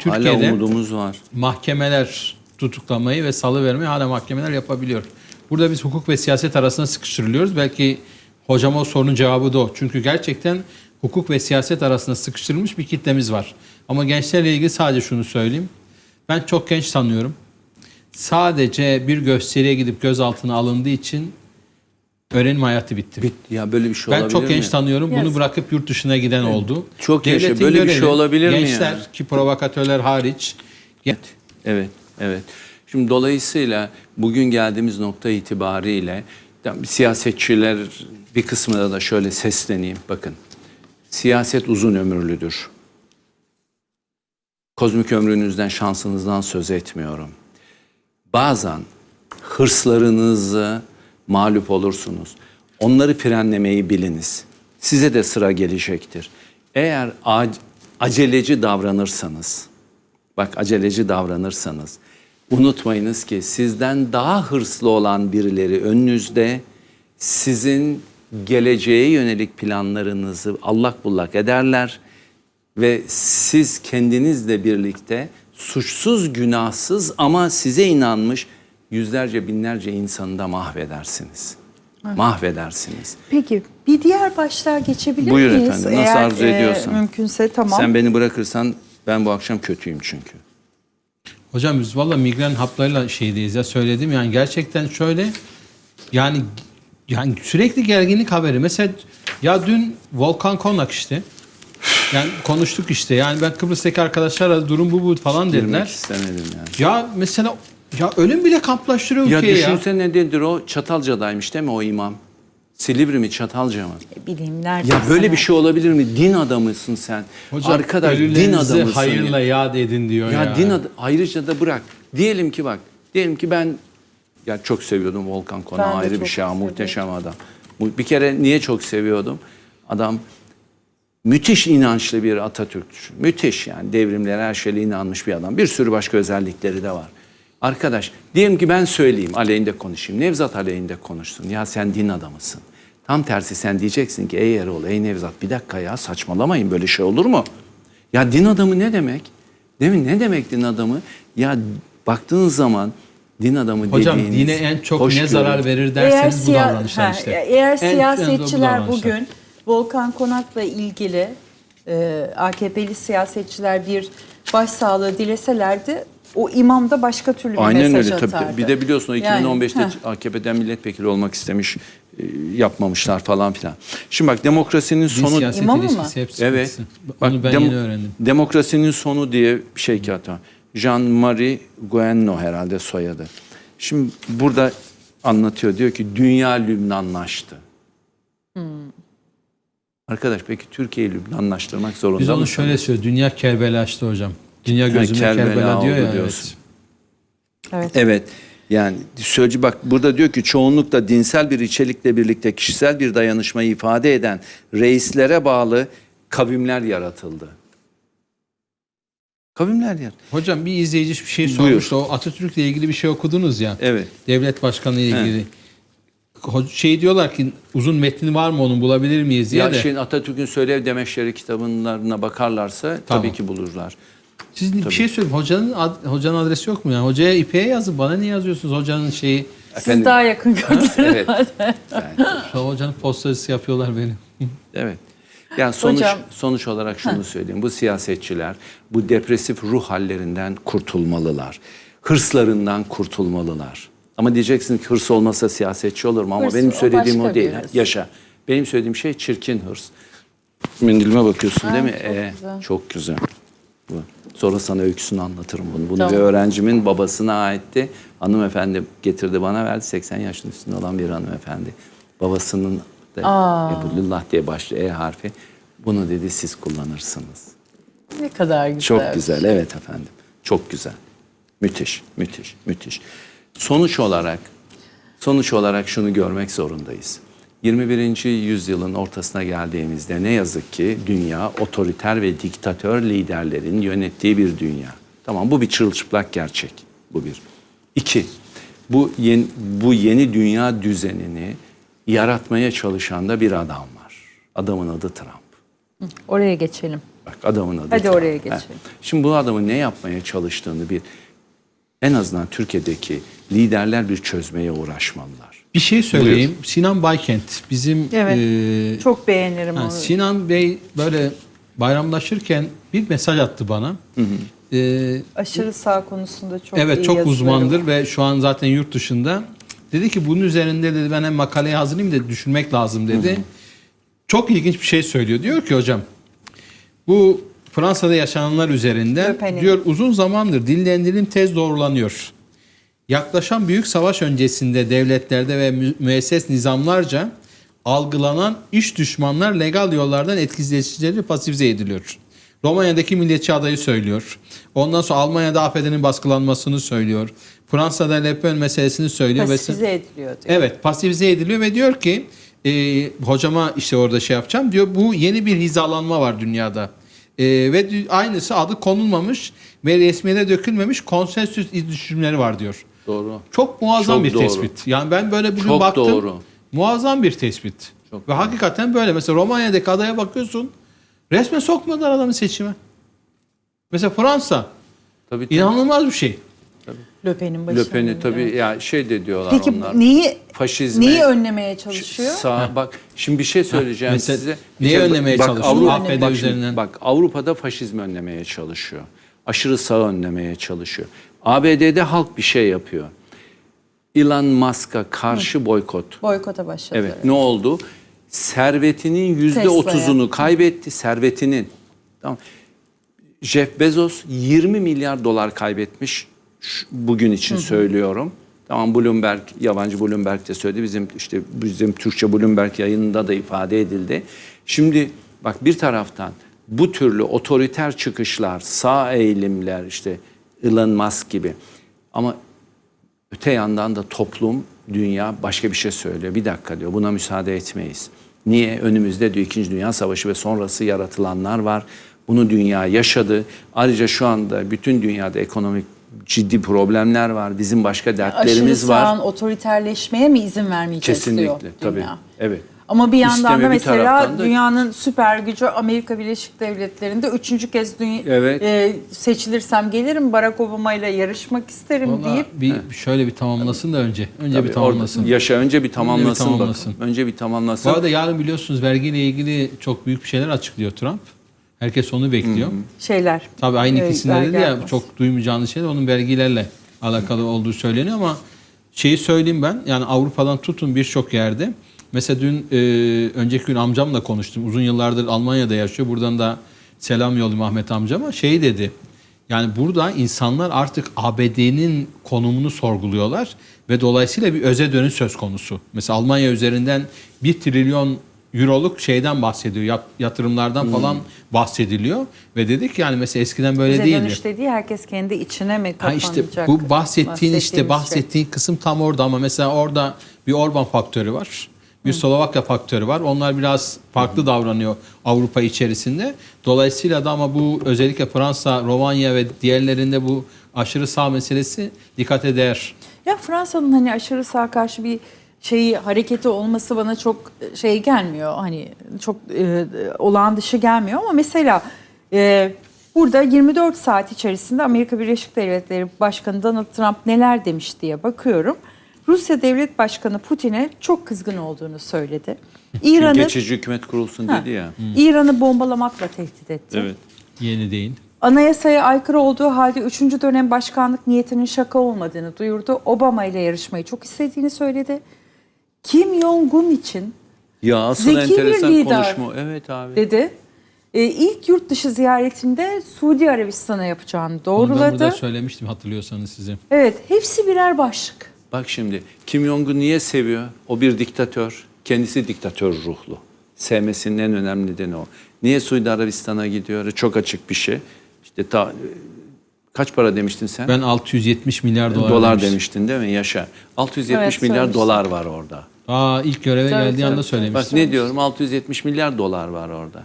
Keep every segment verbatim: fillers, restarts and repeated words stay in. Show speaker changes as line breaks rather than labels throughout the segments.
Türkiye'de
hala umudumuz var.
Mahkemeler tutuklamayı ve salıvermeyi hala mahkemeler yapabiliyor. Burada biz hukuk ve siyaset arasında sıkıştırılıyoruz. Belki hocam o sorunun cevabı da o. Çünkü gerçekten hukuk ve siyaset arasında sıkıştırılmış bir kitlemiz var. Ama gençlerle ilgili sadece şunu söyleyeyim. Ben çok genç tanıyorum. Sadece bir gösteriye gidip gözaltına alındığı için öğrenim hayatı bitti.
Bitti. Ya böyle bir şey
Ben
olabilir
çok genç
mi?
tanıyorum. Bunu
Yes.
bırakıp yurt dışına giden oldu.
Çok yaşa.
Devletin
Böyle bir
görevi,
şey olabilir mi ya?
gençler ki provokatörler hariç.
Evet, evet, evet. Şimdi dolayısıyla bugün geldiğimiz nokta itibariyle siyasetçiler bir kısmına da şöyle sesleneyim. Bakın, siyaset uzun ömürlüdür. Kozmik ömrünüzden, şansınızdan söz etmiyorum. Bazen hırslarınızı mağlup olursunuz. Onları frenlemeyi biliniz. Size de sıra gelecektir. Eğer aceleci davranırsanız, bak aceleci davranırsanız, unutmayınız ki sizden daha hırslı olan birileri önünüzde sizin geleceğe yönelik planlarınızı allak bullak ederler ve siz kendinizle birlikte suçsuz, günahsız ama size inanmış yüzlerce, binlerce insanı da mahvedersiniz. Evet. Mahvedersiniz.
Peki bir diğer başlığa geçebilir
Buyur
miyiz?
efendim, nasıl
Eğer,
arzu ediyorsan.
E, mümkünse tamam.
Sen beni bırakırsan ben bu akşam kötüyüm çünkü.
Hocam biz valla migren haplarıyla şeydeyiz ya, söyledim yani gerçekten şöyle yani yani sürekli gerginlik haberi. Mesela ya dün Volkan Konak işte yani konuştuk işte yani ben Kıbrıs'taki arkadaşlarla durum bu bu falan
Girmek
dediler.
istemedim yani.
Ya mesela ya ölüm bile kamplaştırıyor
Ya
ülkeyi ya.
düşünsene ne nedir o? Çatalca'daymış değil mi o imam? Silivri mi Çatalca mı?
Bileyim nerede?
Ya böyle bir şey olabilir mi? Din adamısın sen.
Hocam,
arkadaş din
ölülerinizi
adamısın.
hayırla
ya.
yad edin diyor ya.
Ya din adı, ayrıca da bırak. Diyelim ki bak, diyelim ki ben ya çok seviyordum Volkan Konak'ı,
Ben de
ayrı bir
çok
şey, ha,
seviyorum.
muhteşem adam. Bir kere niye çok seviyordum? Adam müthiş inançlı bir Atatürkçü. Müthiş yani devrimlere her şeyle inanmış bir adam. Bir sürü başka özellikleri de var. Arkadaş diyelim ki ben söyleyeyim, aleyhinde konuşayım. Nevzat aleyhinde konuşsun. Ya sen din adamısın. Tam tersi sen diyeceksin ki ey Erol, ey Nevzat bir dakika ya saçmalamayın, böyle şey olur mu? Ya din adamı ne demek? Değil mi? Ne demek din adamı? Ya baktığın zaman din adamı
Hocam
dediğiniz...
dine en çok ne
hoşgörü.
zarar verir
Eğer,
derseniz bu
siya-
davranışlar
ha,
işte.
eğer
En- en
siyasetçiler
bu davranışlar.
bugün Volkan Konak'la ilgili e, A K P'li siyasetçiler bir başsağlığı dileselerdi o imam da başka türlü bir
Aynen
mesaj
öyle
atardı.
tabii. Bir de biliyorsun o iki bin on beşte
Yani,
A K P'den milletvekili olmak istemiş, e, yapmamışlar falan filan. Şimdi bak demokrasinin
Din
sonu...
siyaset
İmam mı?
ilişkisi hep
Evet.
sıkıntısı.
Bak,
Onu ben
dem-
yeni öğrendim.
Demokrasinin sonu diye bir şey ki hatta. Jean-Marie Guéhenno herhalde soyadı. Şimdi burada anlatıyor. Diyor ki dünya Lübnanlaştı.
Hmm.
Arkadaş peki Türkiye'yi Lübnanlaştırmak zorunda
Biz onu
mısın?
şöyle söylüyoruz. Dünya Kerbela'ştı hocam. Dünya gözümde
Kerbela
Kerbela, diyor
oldu
ya.
diyorsun.
Evet.
Evet.
Evet. Yani sözcü bak burada diyor ki çoğunlukla dinsel bir içerikle birlikte kişisel bir dayanışmayı ifade eden reislere bağlı kavimler yaratıldı. Kavimler yaratıldı.
Hocam bir izleyici bir şey
Buyur.
sormuştu. O Atatürk'le ilgili bir şey okudunuz ya.
Evet.
Devlet başkanı ile ilgili. Ho- Şey diyorlar ki uzun metni var mı onun, bulabilir miyiz diye
Ya
de.
şeyin Atatürk'ün Söylev Demeçleri kitablarına bakarlarsa
Tamam.
tabii ki bulurlar.
Siz bir şey söyleyeyim. Hocanın ad- hocanın adresi yok mu ya? Hocaya İpek'e yazın. Bana niye yazıyorsunuz hocanın şeyi?
Siz
Efendim?
daha yakın gördünüz.
Evet. Yani,
Şu an hocanın postacısı yapıyorlar beni.
evet. Yani sonuç
Hocam.
sonuç olarak şunu söyleyeyim. Bu siyasetçiler bu depresif ruh hallerinden kurtulmalılar. Hırslarından kurtulmalılar. Ama diyeceksin ki hırs olmasa siyasetçi olur mu? Ama
Hırs,
benim
o
söylediğim
başka
o değil.
bir hırs.
Yaşa. Benim söylediğim şey çirkin hırs. Mendilime bakıyorsun değil mi?
çok
Ee,
güzel.
çok güzel. Bu. Sonra sana öyküsünü anlatırım bunu. Bunu
Tamam.
bir öğrencimin babasına aitti. Hanımefendi getirdi bana verdi. seksen yaşın üstünde olan bir hanımefendi. Babasının da Ebulullah diye başlıyor E harfi. Bunu dedi siz kullanırsınız.
Ne kadar güzel.
Çok güzel, evet efendim. Çok güzel. Müthiş, müthiş, müthiş. Sonuç olarak, sonuç olarak şunu görmek zorundayız. yirmi birinci yüzyılın ortasına geldiğimizde ne yazık ki dünya otoriter ve diktatör liderlerin yönettiği bir dünya. Tamam, bu bir çırılçıplak gerçek. Bu bir. İki, bu yeni, bu yeni dünya düzenini yaratmaya çalışan da bir adam var. Adamın adı Trump.
Oraya geçelim.
Bak adamın adı.
Hadi
Trump.
oraya
Ha.
geçelim.
Şimdi bu adamın ne yapmaya çalıştığını bir en azından Türkiye'deki liderler bir çözmeye uğraşmalılar.
Bir şey söyleyeyim. Sinan Baykent bizim
Evet.
e,
Çok beğenirim
ha,
onu.
Sinan Bey böyle bayramlaşırken bir mesaj attı bana. E,
Aşırı sağ konusunda çok iyi
evet çok
yazıları
uzmandır
var.
ve şu an zaten yurt dışında. Dedi ki bunun üzerinde dedi ben hem makaleyi hazırlayayım da düşünmek lazım dedi. Hı hı. Çok ilginç bir şey söylüyor. Diyor ki hocam bu Fransa'da yaşananlar üzerinden
Löpen'in.
diyor uzun zamandır dillendirim tez doğrulanıyor. Yaklaşan büyük savaş öncesinde devletlerde ve mü- müesses nizamlarca algılanan iç düşmanlar legal yollardan etkileyicileri pasifize ediliyor. Romanya'daki milliyetçi adayı söylüyor. Ondan sonra Almanya'da A F D'nin baskılanmasını söylüyor. Fransa'da Le Pen meselesini söylüyor.
Pasifize
ve
ediliyor diyor.
Evet, pasifize ediliyor ve diyor ki e, hocama işte orada şey yapacağım diyor. Bu yeni bir hizalanma var dünyada. E, ve dü- aynısı adı konulmamış ve resmiyete dökülmemiş konsensüs düşümleri var diyor.
Doğru.
Çok muazzam
Çok
bir
doğru.
tespit. Yani ben böyle bugün
Çok
baktım.
doğru.
Muazzam bir tespit.
Çok
ve hakikaten böyle. Mesela Romanya'daki adaya bakıyorsun. Resmen sokmadılar adamı seçime. Mesela Fransa.
Tabii, tabii.
İnanılmaz bir şey.
Löpen'in başında.
Löpen'i tabii ya şey de diyorlar
Peki
onlar.
neyi
Faşizme.
neyi önlemeye çalışıyor?
Sağ, bak şimdi bir şey söyleyeceğim
mesela
size.
neyi
Bir şey-
önlemeye
bak,
çalışıyor?
Avrupa,
A F D
bak, şimdi,
üzerinden.
bak Avrupa'da faşizmi önlemeye çalışıyor. Aşırı sağ önlemeye çalışıyor. A B D'de halk bir şey yapıyor. Elon Musk'a karşı boykot.
Boykota başladı.
Evet. Ne oldu? Servetinin yüzde otuzunu kaybetti. Servetinin. Tamam. Jeff Bezos yirmi milyar dolar kaybetmiş. Şu- bugün için söylüyorum. Tamam Bloomberg, yabancı Bloomberg de söyledi. Bizim işte bizim Türkçe Bloomberg yayınında da ifade edildi. Şimdi bak bir taraftan bu türlü otoriter çıkışlar, sağ eğilimler işte Elon Musk gibi. Ama öte yandan da toplum, dünya başka bir şey söylüyor. Bir dakika diyor buna müsaade etmeyiz. Niye? Önümüzde diyor İkinci Dünya Savaşı ve sonrası yaratılanlar var. Bunu dünya yaşadı. Ayrıca şu anda bütün dünyada ekonomik ciddi problemler var. Bizim başka dertlerimiz
Aşırı
var.
sağın otoriterleşmeye mi izin vermeyeceğiz
Kesinlikle
diyor
tabii.
dünya.
Evet.
Ama bir yandan
İsteme
da
bir
mesela
taraftan da-
dünyanın süper gücü Amerika Birleşik Devletleri'nde üçüncü kez dünya,
Evet.
e, seçilirsem gelirim Barack Obama ile yarışmak isterim
Vallahi
deyip
bir şöyle bir tamamlasın da önce. Önce
Tabii,
bir tamamlasın.
orada yaşa önce bir tamamlasın,
tamamlasın.
bakın. Önce bir tamamlasın.
Bu arada yarın biliyorsunuz vergiyle ilgili çok büyük bir şeyler açıklıyor Trump. Herkes onu bekliyor.
şeyler.
Tabii aynı
e,
ikisinde
vergi
dedi ya
artması.
çok duymayacağınız şey de onun vergilerle alakalı olduğu söyleniyor ama şeyi söyleyeyim ben yani Avrupa'dan tutun birçok yerde. Mesela dün e, önceki gün amcamla konuştum. Uzun yıllardır Almanya'da yaşıyor. Buradan da selam yollayayım Ahmet amcama. Şey dedi. Yani burada insanlar artık A B D'nin konumunu sorguluyorlar ve dolayısıyla bir öze dönüş söz konusu. Mesela Almanya üzerinden bir trilyon euroluk şeyden bahsediyor. yat- Yatırımlardan falan bahsediliyor ve dedik yani mesela eskiden böyle
Bize
değildi.
dönüş dediği herkes kendi içine mi
Ha
kapanacak?
işte bu bahsettiğin işte
bahsettiğimiz
bahsettiğin kısım tam orada ama mesela orada bir Orban faktörü var. Bir Slovakya faktörü var. Onlar biraz farklı davranıyor Avrupa içerisinde. Dolayısıyla da ama bu özellikle Fransa, Romanya ve diğerlerinde bu aşırı sağ meselesi dikkate değer.
Ya Fransa'nın hani aşırı sağa karşı bir şeyi hareketi olması bana çok şey gelmiyor. Hani çok e, olağan dışı gelmiyor ama mesela e, burada yirmi dört saat içerisinde Amerika Birleşik Devletleri Başkanı Donald Trump neler demiş diye bakıyorum. Rusya Devlet Başkanı Putin'e çok kızgın olduğunu söyledi. İran'ı
Geçici hükümet kurulsun
Ha,
dedi ya.
İran'ı bombalamakla tehdit etti.
Evet.
Yeni değil.
Anayasaya aykırı olduğu halde üçüncü dönem başkanlık niyetinin şaka olmadığını duyurdu. Obama ile yarışmayı çok istediğini söyledi. Kim Jong-un için
Ya asıl
Zeki bir
enteresan
lider.
konuşma. Evet abi.
dedi. E, ilk yurt dışı ziyaretinde Suudi Arabistan'a yapacağını
Onu ben
doğruladı.
burada söylemiştim hatırlıyorsanız size.
Evet, hepsi birer başlık.
Bak şimdi Kim Jong-un niye seviyor? O bir diktatör. Kendisi diktatör ruhlu. Sevmesinin en önemli nedeni o. Niye Suudi Arabistan'a gidiyor? Çok açık bir şey. İşte ta, kaç para demiştin sen?
Ben altı yüz yetmiş milyar dolar,
dolar
demiştim.
demiştin değil mi? Yaşa. altı yüz yetmiş
Evet,
milyar
söylemiştim.
dolar var orada.
Aa ilk göreve
Tabii,
geldiği
tabii,
anda
tabii.
söylemiştim.
Bak ne diyorum? altı yüz yetmiş milyar dolar var orada.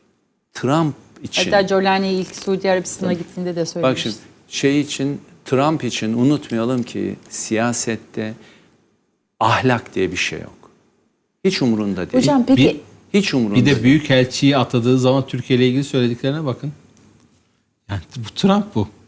Trump için.
Hatta Jolani ilk Suudi Arabistan'a gittiğinde de
Bak
söylemişti.
şimdi şey için Trump için unutmayalım ki siyasette ahlak diye bir şey yok. Hiç umurunda değil.
Hocam peki
Bir-
Hiç umurunda
Bir de
değil.
büyükelçiyi atadığı zaman Türkiye ile ilgili söylediklerine bakın. Yani bu Trump bu.